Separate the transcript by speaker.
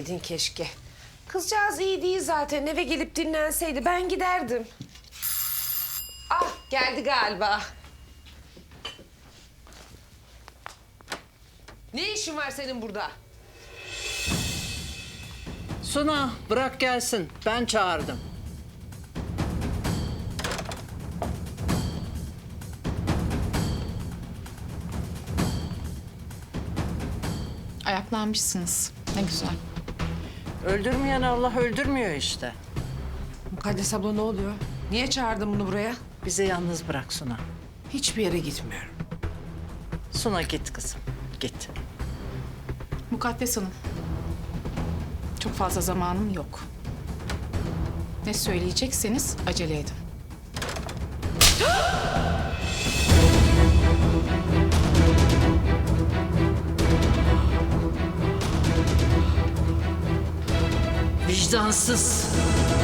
Speaker 1: gelmeseydin keşke. Kızcağız iyi değil zaten. Eve gelip dinlenseydi ben giderdim. Ah geldi galiba. Ne işin var senin burada?
Speaker 2: Suna bırak gelsin. Ben çağırdım.
Speaker 3: Ayaklanmışsınız. Ne güzel.
Speaker 2: Öldürmeyen Allah öldürmüyor işte.
Speaker 1: Mukaddes abla ne oluyor? Niye çağırdın bunu buraya?
Speaker 2: Bizi yalnız bırak Suna.
Speaker 1: Hiçbir yere gitmiyorum.
Speaker 2: Suna git kızım. Git.
Speaker 3: Mukaddes Hanım. Çok fazla zamanım yok. Ne söyleyecekseniz acele edin.
Speaker 2: Vicdansız.